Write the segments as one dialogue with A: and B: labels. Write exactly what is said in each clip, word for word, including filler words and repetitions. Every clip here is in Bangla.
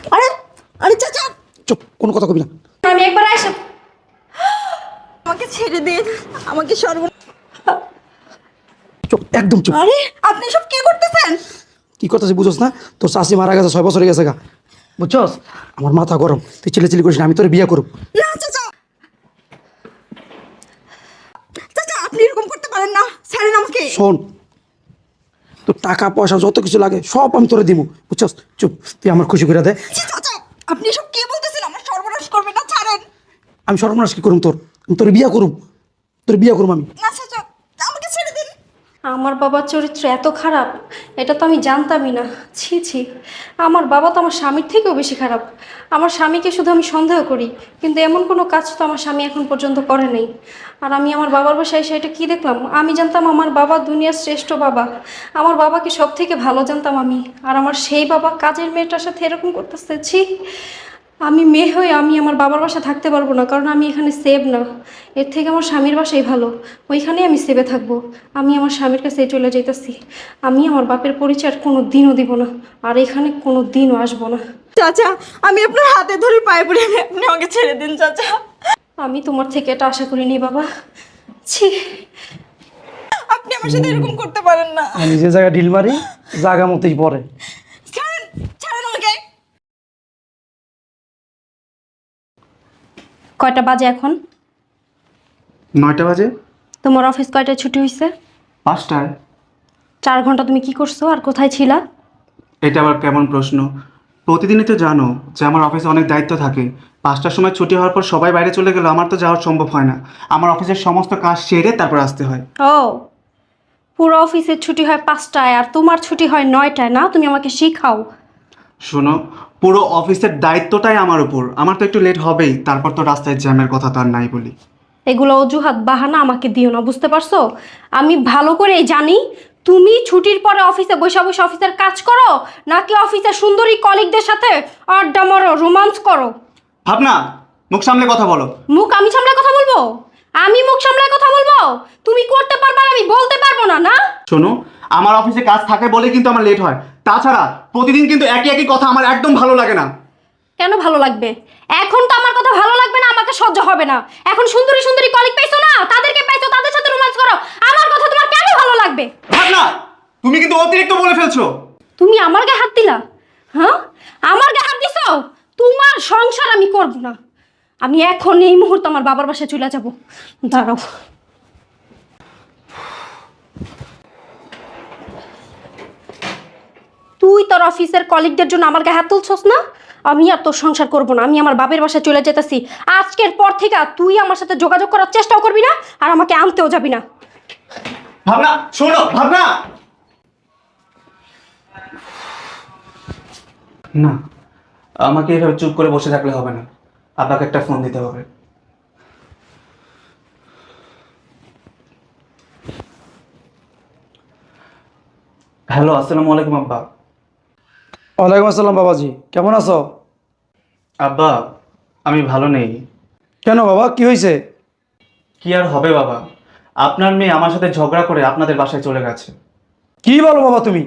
A: আরে আরে চাচা চুপ, কোনো কথা কবি না।
B: আমি একবার আসব।
A: আমাকে ছেড়ে দিন, আমাকে সর্ব
C: চুপ, একদম চুপ।
A: আরে আপনি সব কি করতেছেন?
C: কি করতেছিস বুঝোস না? তোর শাশি মারা গেছে, ছয় বছর হয়ে গেছে গা, বুঝছস? আমার মাথা গরম, তুই চিলে চিলি করিস না, আমি তোর বিয়ে করব।
A: না চাচা, চাচা আপনি এরকম করতে পারেন না, ছাড়েন আমাকে।
C: শোন, তোর টাকা পয়সা যত কিছু লাগে সব আমি তোরে দিব, বুঝছস? চুপ, তুই আমার খুশি করে দে।
A: ছি, চাচা আপনি সব কি বলতেছেন? আমার সর্বনাশ করবেন না, ছাড়েন।
C: আমি সর্বনাশ কি করুম তোর? আমি তোর বিয়ে করুম, তোর বিয়ে করুম আমি।
A: না চাচা, আমাকে ছেড়ে দিন।
B: আমার বাবার চরিত্র এত খারাপ, এটা তো আমি জানতামই না। ছি ছি, আমার বাবা তো আমার স্বামীর থেকেও বেশি খারাপ। আমার স্বামীকে শুধু আমি সন্দেহ করি, কিন্তু এমন কোনো কাজ তো আমার স্বামী এখন পর্যন্ত করে নেই। আর আমি আমার বাবার বাসায় এসে এটা কী দেখলাম? আমি জানতাম আমার বাবা দুনিয়ার শ্রেষ্ঠ বাবা, আমার বাবাকে সব থেকে ভালো জানতাম আমি। আর আমার সেই বাবা কাজের মেয়েটার সাথে এরকম করতেছে। ছি, আমি মেয়ে হয়ে আমি আমার বাবার বাসায় থাকতে পারবো না, কারণ আমি এখানে সেভ না। এর থেকে আমার স্বামীর বাসাই ভালো, ওইখানেই আমি সেভে থাকবো। আমি আমার স্বামীর কাছে চলে যাইতেছি। আমি আমার বাপের পরিচয় আর কোনো দিনও দিব না, আর এখানে কোনো দিনও আসবো না।
A: চাচা আমি আপনার হাতে ধরে পায়ে পড়ে, আপনি আমাকে ছেড়ে দিন চাচা।
B: আমি তোমার থেকে এটা আশা করিনি বাবা। ছি,
A: আপনি আমার সাথে এরকম করতে পারেন না।
C: আমি যে জায়গায় ঢিল মারি জায়গা মতোই পড়ে।
A: ছাড়েন, ছাড়েন আমাকে।
B: কয়টা বাজে এখন?
D: নয়টা বাজে।
B: তোমার অফিস কয়টায় ছুটি হয়েছে?
D: পাঁচটায়।
B: চার ঘন্টা তুমি কি করছো আর কোথায় ছিলা?
D: এটা আবার কেমন প্রশ্ন? প্রতিদিনই তো জানো যে আমার অফিসে অনেক দায়িত্ব থাকে। পাঁচটার সময় ছুটি হওয়ার পর সবাই বাইরে চলে গেলে আমার তো যাওয়া সম্ভব হয় না। আমার অফিসের সমস্ত কাজ সেরে তারপর আসতে হয়।
B: ও, পুরো অফিসের ছুটি হয় পাঁচটায় আর তোমার ছুটি হয় নয়টায় না? তুমি আমাকে শিখাও।
D: শোনো, পুরো অফিসের দায়িত্বটাই আমার উপর। আমার তো একটু লেট হবেই, তারপর তো রাস্তায় জ্যামের কথা তো আর নাই বলি।
B: এগুলো অজুহাত বাহানা আমাকে দিও না, বুঝতে পারছো? আমি ভালো করেই জানি তুমি ছুটির পরে অফিসে বসে বসে অফিসের কাজ করো, নাকি অফিসের সুন্দরী কলিগদের সাথে আড্ডা মারো, রোমান্স করো।
D: ভাবনা, মুখ সামলে কথা বলো।
B: মুখ আমি সামলায় কথা বলবো? আমি মুখ সামলায় কথা বলবো? তুমি করতে পারবা আর আমি বলতে পারবো না, না?
D: শোনো, আমার অফিসে কাজ থাকে বলে কিন্তু আমার লেট হয়। তাছাড়া প্রতিদিন কিন্তু একই একই কথা আমার একদম ভালো লাগে না।
B: কেন ভালো লাগবে? এখন তো আমার কথা ভালো লাগবে না, আমাকে সহ্য হবে না। এখন সুন্দরী সুন্দরী কলিগ পাইছো না, তাদেরকে পাইছো, তাদের সাথে রোমান্স করো। আমার কথা তোমার কেন ভালো লাগবে?
D: ভাবনা, তুমি কিন্তু অতিরিক্ত বলে ফেলছো।
B: তুমি আমার গায়ে হাত দিলা? হ্যাঁ, আমার গায়ে হাত দিছো? তোমার সংসার আমি করব না। আমি এখন এই মুহূর্তে আমার বাবার বাসায় চলে যাব। দাঁড়াও। তুই তোর অফিসের কলিগদের জন্য আমার গায়ে হাত তুলছস না? আমি আর তোর সংসার করব না। আমি আমার বাপের বাসায় চলে যেতেছি। আজকের পর থেকে তুই আমার সাথে যোগাযোগ করার চেষ্টাও করবি না, আর আমাকে আনতেও যাবি না।
D: ভাবনা, শোনো ভাবনা। না, আমাকে এভাবে চুপ করে বসে থাকলে হবে না। আপনাকে একটা ফোন দিতে হবে। হ্যালো, আসসালামু আলাইকুম আব্বা।
C: ওয়ালাইকুম আসসালাম বাবাজি, কেমন আছো?
D: আব্বা, আমি ভালো নেই।
C: কেন বাবা, কি হয়েছে?
D: কি আর হবে বাবা, আপনার মেয়ে আমার সাথে ঝগড়া করে আপনাদের বাসায় চলে গেছে।
C: কি বলো বাবা তুমি?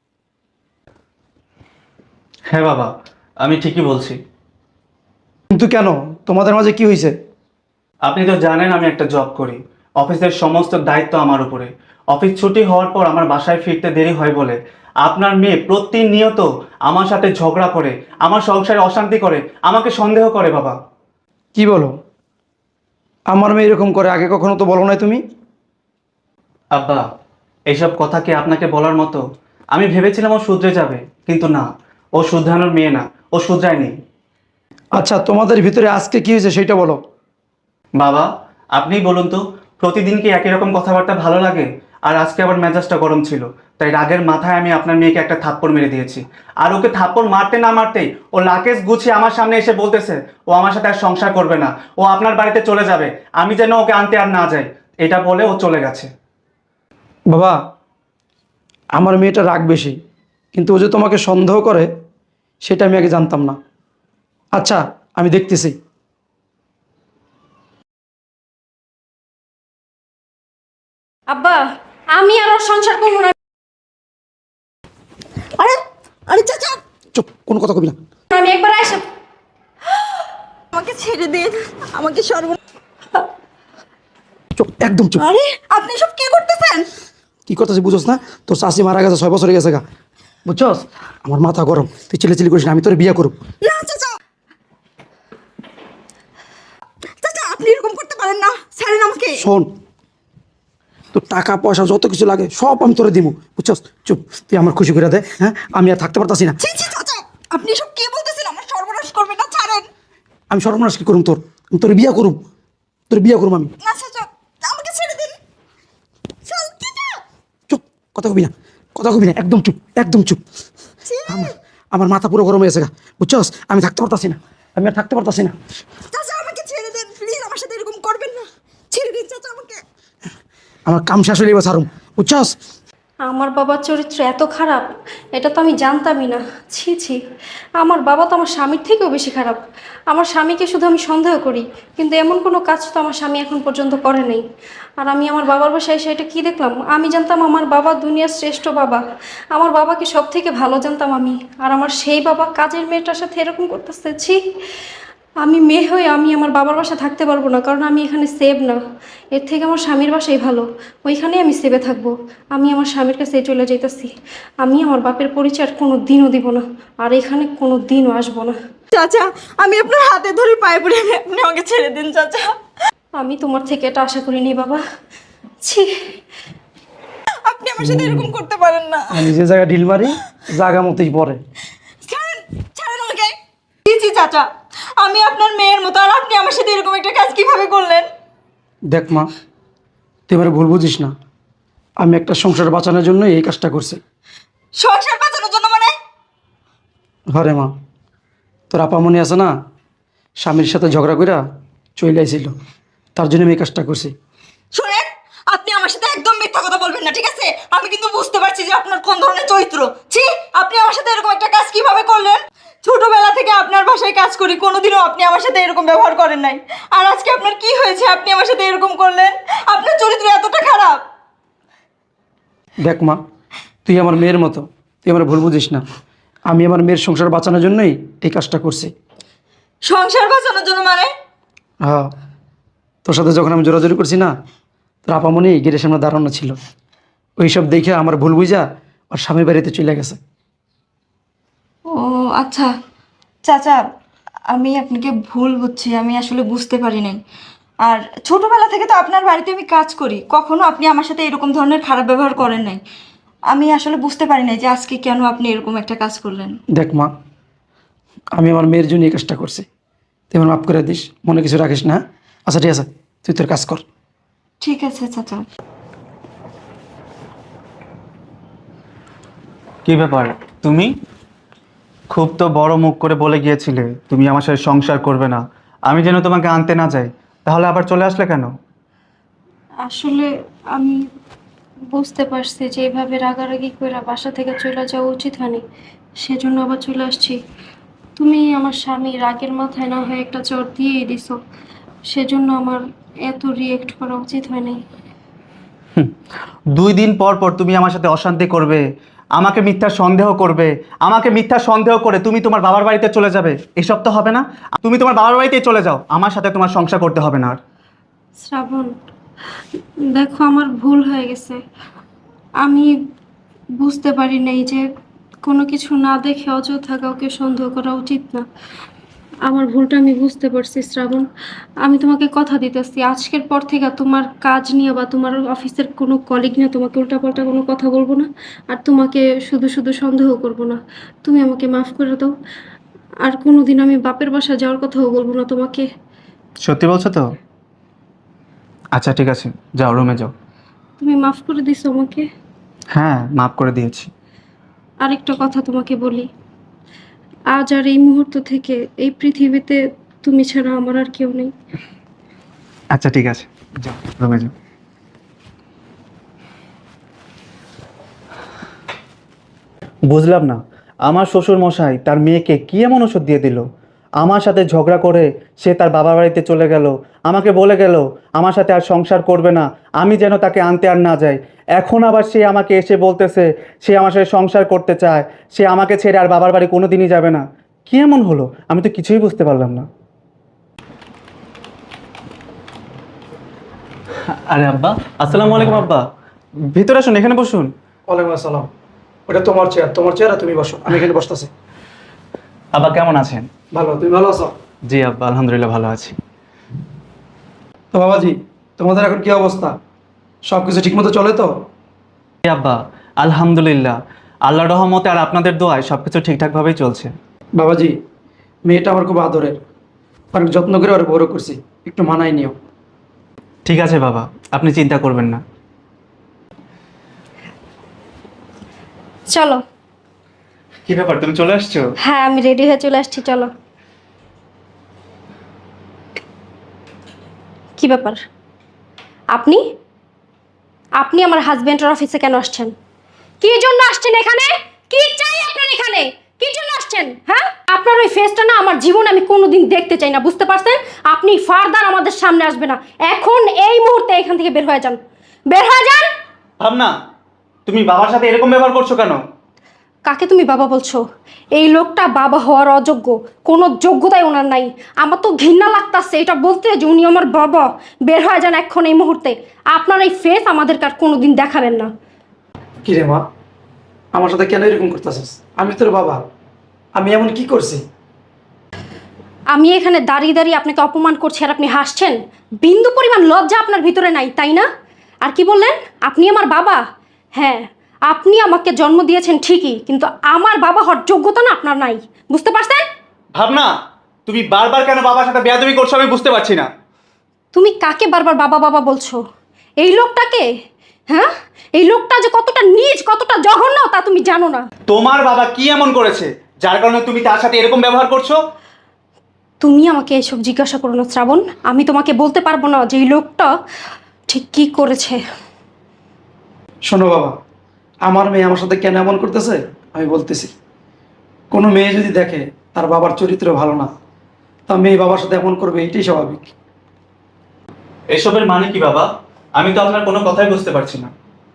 D: হ্যাঁ বাবা, আমি ঠিকই বলছি।
C: কিন্তু কেন, তোমাদের মাঝে কি হয়েছে?
D: আপনি তো জানেন আমি একটা জব করি। অফিসের সমস্ত দায়িত্ব আমার উপরে। অফিস ছুটি হওয়ার পর আমার বাসায় ফিরতে দেরি হয় বলে আপনার মেয়ে প্রতিনিয়ত আমার সাথে ঝগড়া করে, আমার সংসারে অশান্তি করে, আমাকে সন্দেহ করে বাবা।
C: কি বলো? আমার মেয়ে এরকম করে, আগে কখনো তো বলো নাই তুমি।
D: আব্বা, এইসব কথা কি আপনাকে বলার মতো? আমি ভেবেছিলাম ও শুধরে যাবে, কিন্তু না, ও শুধরানোর মেয়ে না, ও শুধরায়নি।
C: আচ্ছা, তোমাদের ভিতরে আজকে কি হয়েছে সেটা বলো।
D: বাবা, আপনিই বলুন তো, প্রতিদিন কি একই রকম কথাবার্তা ভালো লাগে? আর আজকে আবার মেজাজটা গরম ছিল, তাই রাগের মাথায় আমি আপনার মেয়েকে একটা থাপ্পড় মেরে দিয়েছি। আর ওকে থাপ্পড় মারতে না মারতেই ও লাকেজ গুছিয়ে আমার সামনে এসে বলতেছে ও আমার সাথে আর সংসার করবে না, ও আপনার বাড়িতে চলে যাবে, আমি যেন ওকে আনতে আর না যাই। এটা বলে ও চলে গেছে।
C: বাবা, আমার মেয়েটা রাগ বেশি, কিন্তু ও যে তোমাকে সন্দেহ করে সেটা আমি আগে জানতাম না। আচ্ছা, আমি দেখতেছি।
B: আব্বা, আমি আর ওর সংসার করবো না।
A: আরে আরে চাচা,
C: চুপ, কোনো কথা কবি না।
B: আমি একবার এসে
A: আমাকে ছেড়ে দিন, আমাকে সর্ব
C: চুপ, একদম চুপ।
A: আরে আপনি সব কি করতেছেন?
C: কি করতেছি বুঝোস না? তোর শাশি মারা গেছে, ছয় বছর হয়ে গেছে গা, বুঝছস? আমার মাথা গরম, তুই ছেলে চিলি করিস না, আমি তোর বিয়ে করব।
A: না চাচা, চাচা আপনি এরকম করতে পারেন না, ছাড়েন আমাকে।
C: শোন, তোর টাকা পয়সা যত কিছু লাগে সব আমি তোরে দিব, বুঝছস? চুপ, তুই আমার খুশি করে দে। হ্যাঁ, আমি আর থাকতে পারতাছি না।
A: ছি ছি চাচা, আপনি সব কি বলতেছেন? আমার সর্বনাশ করবেন না, ছাড়েন।
C: আমি সর্বনাশ কি করুম তোর? আমি তোর বিয়ে করুম, তোর বিয়ে করুম আমি।
A: না চাচা, আমাকে ছেড়ে দিন। চল চাচা।
C: চুপ, কথা কবি না, কথা কবি না, একদম চুপ, একদম চুপ।
A: ছি।
C: আমার আমার মাথা পুরো গরম হয়ে গেছে গা, বুঝছস? আমি থাকতে পারতাছি না, আমি আর থাকতে পারতাছি না।
A: চাচা আমাকে ছেড়ে দেন প্লিজ, আমার সাথে এরকম করবেন না। ছেড়ে দিন চাচা আমাকে।
C: আমার কাম শেষ হইলে এবার ছাড়ুম, বুঝছস?
B: আমার বাবার চরিত্র এত খারাপ, এটা তো আমি জানতামই না। ছি ছি, আমার বাবা তো আমার স্বামীর থেকেও বেশি খারাপ। আমার স্বামীকে শুধু আমি সন্দেহ করি, কিন্তু এমন কোনো কাজ তো আমার স্বামী এখন পর্যন্ত করে নাই। আর আমি আমার বাবার বাসায় এসে এটা কী দেখলাম? আমি জানতাম আমার বাবা দুনিয়ার শ্রেষ্ঠ বাবা, আমার বাবাকে সব থেকে ভালো জানতাম আমি। আর আমার সেই বাবা কাজের মেয়েটার সাথে এরকম করতেছে। ছি, আমি মেয়ে হয়ে আমি আমার বাবার বাসায় থাকতে পারবো না, কারণ আমি এখানে সেভ না। এর থেকে আমার স্বামীর বাসাই ভালো, ওইখানেই আমি সেভে থাকবো। আমি আমার স্বামীর কাছে চলে যাইতেছি। আমি আমার বাপের পরিচয় আর কোনো দিনও দিব না, আর এখানে কোনো দিনও আসবো না।
A: চাচা আমি আপনার হাতে ধরে পায়ে পড়ে, আপনি আমাকে ছেড়ে দিন চাচা।
B: আমি তোমার থেকে এটা আশা করিনি বাবা। ছি,
A: আপনি আমার সাথে এরকম করতে পারেন না।
C: আমি যে জায়গায় ঢিল মারি জায়গা মতোই পড়ে।
A: ছাড়েন, ছাড়েন আমাকে। জি জি চাচা, আমি আপনার মেয়ের মতো, আর আপনি আমার সাথে এরকম একটা কাজ কিভাবে করলেন?
C: দেখ মা, তুই এবারে ভুল বুঝিস না, আমি একটা সংসার বাঁচানোর জন্য এই কাজটা করছি।
A: সংসার বাঁচানোর জন্য মানে?
C: ঘরে মা, তোর আপামনি আছে না, স্বামীর সাথে ঝগড়া কইরা চলে আইছিল, তার জন্য আমি এই কাজটা করছি।
A: শোনেন, আপনি আমার সাথে একদম মিথ্যা কথা বলবেন না, ঠিক আছে? আমি কিন্তু বুঝতে পারছি যে আপনার কোন ধরনের চরিত্র। ছি, আপনি আমার সাথে এরকম একটা কাজ কিভাবে করলেন? ছোটবেলা থেকে আপনার বাসায় কাজ করি, কোনোদিনও আপনি আমার সাথে এরকম ব্যবহার করেন নাই। আর আজকে আপনার কি হয়েছে, আপনি আমার সাথে এরকম করলেন? আপনার চরিত্র এতটা খারাপ?
C: দেখ মা, তুই আমার মেয়ের মতো, তুই আমার ভুল বুঝিস না। আমি আমার মেয়ের সংসার বাঁচানোর জন্যই এই কাজটা করছি।
A: সংসার বাঁচানোর জন্য মানে?
C: হ্যাঁ, তোর সাথে যখন আমি জোরাজোরি করছি না, তোর আপামনি গেটের সামনে দাঁড়ানো ছিল, ওই সব দেখে আমার ভুল বুঝা আর স্বামী বাড়িতে চলে গেছে।
A: ও আচ্ছা চাচা, আমি আপনাকে ভুল বুঝছি, আমি আসলে বুঝতে পারি নাই। আর ছোটবেলা থেকে তো আপনার বাড়িতে আমি কাজ করি, কখনো আপনি আমার সাথে এরকম ধরনের খারাপ ব্যবহার করেন নাই। আমি আসলে বুঝতে পারি নাই যে আজকে কেন আপনি এরকম একটা কাজ করলেন।
C: দেখ মা, আমি আমার মেয়ের জন্য এই কাজটা করছি, তুই আমার মাফ করে দিস, মনে কিছু রাখিস না। আচ্ছা ঠিক আছে, তুই তোর কাজ কর।
A: ঠিক আছে চাচা।
D: কি ব্যাপার, তুমি খুব তো বড় মুখ করে বলে গিয়েছিলে তুমি আমার সাথে সংসার করবে না, আমি যেন তোমাকে আনতে না যাই, তাহলে আবার চলে আসলে কেন?
B: আসলে আমি বুঝতে পারছি যে এভাবে রাগারাগি করে বাসা থেকে চলে যাওয়া উচিত হয়নি, সেজন্য আবার চলে আসছি। তুমি আমার স্বামী রাগের মাথায় না হয়ে একটা চর দিয়েই দিছো, সেজন্য আমার এত রিয়েক্ট করা উচিত হয়নি।
D: দুই দিন পর পর তুমি আমার সাথে অশান্তি করবে, আমাকে মিথ্যা সন্দেহ করবে, আমাকে মিথ্যা সন্দেহ করে তুমি তোমার বাবার বাড়িতে চলে যাবে, এসব তো হবে না। তুমি তোমার বাবার বাড়িতেই চলে যাও, আমার সাথে তোমার সংসার করতে হবে না আর।
B: শ্রাবণ, দেখো আমার ভুল হয়ে গেছে। আমি বুঝতে পারি নাই যে কোনো কিছু না দেখে অযথা কাউকে সন্দেহ করা উচিত না। আমার ভুলটা আমি বুঝতে পারছি শ্রাবণ। আমি তোমাকে কথা দিতেছি, আজকের পর থেকে তোমার কাজ নিয়ে বা তোমার অফিসের কোনো কলিগ নিয়ে তোমাকে উল্টাপাল্টা কোনো কথা বলবো না, আর তোমাকে শুধু শুধু সন্দেহ করবো না। তুমি আমাকে মাফ করে দাও, আর কোনোদিন আমি বাপের বাসা যাওয়ার কথাও বলবো না তোমাকে।
D: সত্যি বলছো তো? আচ্ছা ঠিক আছে, যাও রুমে যাও।
B: তুমি মাফ করে দিছো আমাকে?
D: হ্যাঁ, মাফ করে দিয়েছি।
B: আরেকটা কথা তোমাকে বলি, আজ আর এই মুহূর্ত থেকে এই পৃথিবীতে তুমি ছাড়া আমার আর কেউ নেই।
D: আচ্ছা ঠিক আছে, যাও রুমে যাও। বুঝলাম না, আমার শ্বশুর মশাই তার মেয়েকে কি এমন ওষুধ দিয়ে দিল? আমার সাথে ঝগড়া করে সে তার বাবার বাড়িতে চলে গেল, আমাকে বলে গেল আমার সাথে আর সংসার করবে না, আমি যেন তাকে আনতে আর না যাই। এখন আবার সে আমাকে এসে বলতেছে সে আমার সাথে সংসার করতে চায়, সে আমাকে ছেড়ে আর বাবার বাড়ি কোনো দিনই যাবে না। কি এমন হলো? আমি তো কিছুই বুঝতে পারলাম না। আরে আব্বা, আসসালামু আলাইকুম আব্বা। ভিতরে আসুন, এখানে বসুন।
C: ওয়ালাইকুম আসসালাম। ওটা তোমার চেয়ার, তোমার চেয়ার আর তুমি বসো, আমি এখানে বসতেছি।
D: আব্বা কেমন আছেন?
C: ভালো, তুমি ভালো আছো?
D: জি আব্বা, আলহামদুলিল্লাহ ভালো আছি।
C: তো বাবাজি, তোমাদের এখন কি অবস্থা? সব কিছু ঠিকমতো চলে তো?
D: জি আব্বা, আলহামদুলিল্লাহ, আল্লাহর রহমতে আর আপনাদের দোয়ায় সবকিছু ঠিকঠাকভাবেই চলছে।
C: বাবাজি, মেয়েটা আমার খুব আদরের, অনেক যত্ন করে ওর বড় করছি, একটু মানায় নিও।
D: ঠিক আছে বাবা, আপনি চিন্তা করবেন না।
B: চলো।
D: কি ব্যাপার, তুমি চলে আসছো?
B: হ্যাঁ, আমি রেডি হয়ে চলে আসছি, চলো। কি ব্যাপার? আপনি আপনি আমার হাজবেন্ডের অফিসে কেন আসছেন? কি জন্য আসছেন এখানে? কি চাই আপনার এখানে? কি জন্য আসছেন? হ্যাঁ, আপনার ওই ফেসটা না আমার জীবনে আমি কোনোদিন দেখতে চাই না, বুঝতে পারছেন? আপনি ফারদার আমাদের সামনে আসবে না, এখন এই মুহূর্তে এখান থেকে বের হয়ে যান, বের হয়ে যান।
D: ভাবনা, তুমি বাবার সাথে এরকম ব্যবহার করছো কেন?
B: কাকে তুমি বাবা বলছো? এই লোকটা বাবা হওয়ার অযোগ্য, কোনো যোগ্যতাই ওনার নাই। আমার তো ঘৃণা লাগতাছে এটা বলতে যে উনি আমার বাবা। বের হয়ে যান এখন এই মুহূর্তে। আপনার এই ফেস আমাদের কার কোনোদিন দেখাবেন না।
C: কি রে মা, আমার সাথে কেন এরকম করতেছিস? আমি তোর বাবা, আমি এমন কি করছি?
B: আমি এখানে দাঁড়িয়ে দাঁড়িয়ে আপনাকে অপমান করছি আর আপনি হাসছেন? বিন্দু পরিমাণ লজ্জা আপনার ভিতরে নাই, তাই না? আর কি বললেন? আপনি আমার বাবা? হ্যাঁ, আপনি আমাকে জন্ম দিয়েছেন ঠিকই, কিন্তু আমার বাবা হওয়ার যোগ্যতা না আপনার নাই, বুঝতে পারছেন?
D: ভাবনা, তুমি বারবার কেন বাবার সাথে বেয়াদবি করছো আমি বুঝতে পারছি না।
B: তুমি কাকে বারবার বাবা বাবা বলছো? এই লোকটাকে? হ্যাঁ, এই লোকটা যে কতটা নীচ, কতটা জঘন্য তা তুমি জানো না।
D: তোমার বাবা কি এমন করেছে যার কারণে তুমি তার সাথে এরকম ব্যবহার করছো?
B: তুমি আমাকে এসব জিজ্ঞাসা করো না শ্রাবণ, আমি তোমাকে বলতে পারবো না যে এই লোকটা ঠিক কি করেছে।
C: শোনো বাবা, আমার মেয়ে আমার সাথে কেন এমন করতেছে আমি বলতেছি। কোনো মেয়ে যদি দেখে তার বাবার চরিত্র ভালো না, তা মেয়ে বাবার সাথে এমন করবে, এটাই স্বাভাবিক।
D: এসবের মানে কি বাবা? আমি তো আপনার কোনো কথাই বুঝতে পারছি না।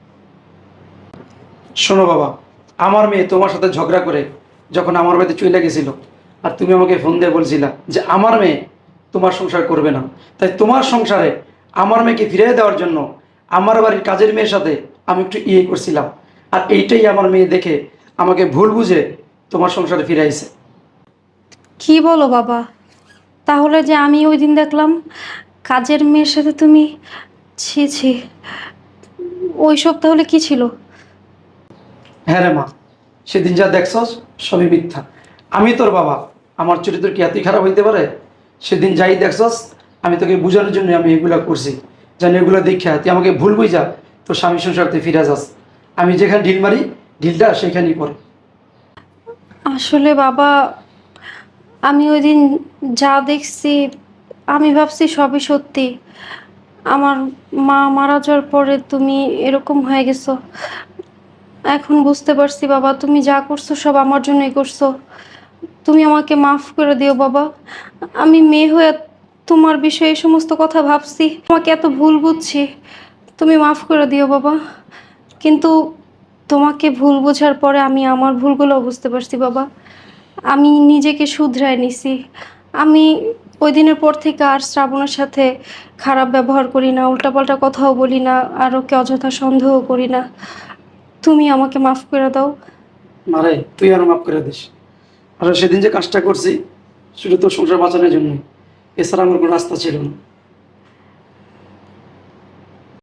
C: শোনো বাবা, আমার মেয়ে তোমার সাথে ঝগড়া করে যখন আমার বাড়িতে চলে গেছিল, আর তুমি আমাকে ফোন দিয়ে বলছিলা যে আমার মেয়ে তোমার সংসার করবে না, তাই তোমার সংসারে আমার মেয়েকে ফিরিয়ে দেওয়ার জন্য আমার বাড়ির কাজের মেয়ের সাথে আমি একটু ইয়ে করছিলাম, আর এইটাই আমার মেয়ে দেখে আমাকে ভুল বুঝে তোমার সংসারে ফিরে আইছে।
B: কি বলো বাবা? তাহলে যে আমি ওই দিন দেখলাম কাজের মেয়ের সাথে তুমি, ছি ছি, ওইসব তাহলে কি ছিল?
C: হ্যাঁ রে মা, সেদিন যা দেখছস সবই মিথ্যা। আমি তোর বাবা, আমার চরিত্র কি এতই খারাপ হইতে পারে? সেদিন যাই দেখছস আমি তোকে বোঝানোর জন্য আমি এগুলা করছি, যেন এগুলো দেখা তুই আমাকে ভুল বুঝা তোর স্বামী সংসারতে ফিরে যাস। আমি যেখানে ঢিল মারি ঢিলটা সেখানেই পড়ে।
B: আসলে বাবা, আমি ওই দিন যা দেখছি আমি ভাবছি সবই সত্যি। আমার মা মারা যাওয়ার পরে তুমি এরকম হয়ে গেছো। এখন বুঝতে পারছি বাবা, তুমি যা করছো সব আমার জন্যই করছো। তুমি আমাকে মাফ করে দিও বাবা। আমি মেয়ে হয়ে তোমার বিষয়ে এই সমস্ত কথা ভাবছি, তোমাকে এত ভুল বুঝছি, তুমি মাফ করে দিও বাবা। কিন্তু তোমাকে ভুল বোঝার পরে আমি আমার ভুলগুলো বুঝতে পারছি বাবা। আমি নিজেকে শুধরায় নিছি। আমি ওই দিনের পর থেকে আর শ্রাবণের সাথে খারাপ ব্যবহার করি না, উল্টাপাল্টা কথাও বলি না, আর ওকে অযথা সন্দেহ করি না। তুমি আমাকে মাফ করে দাও।
C: মারে তুই আরো মাফ করে দিস। আর সেদিন যে কাজটা করছি শুধু তোর সংসার বাঁচানোর জন্য, এছাড়া আমার কোনো রাস্তা ছিল না।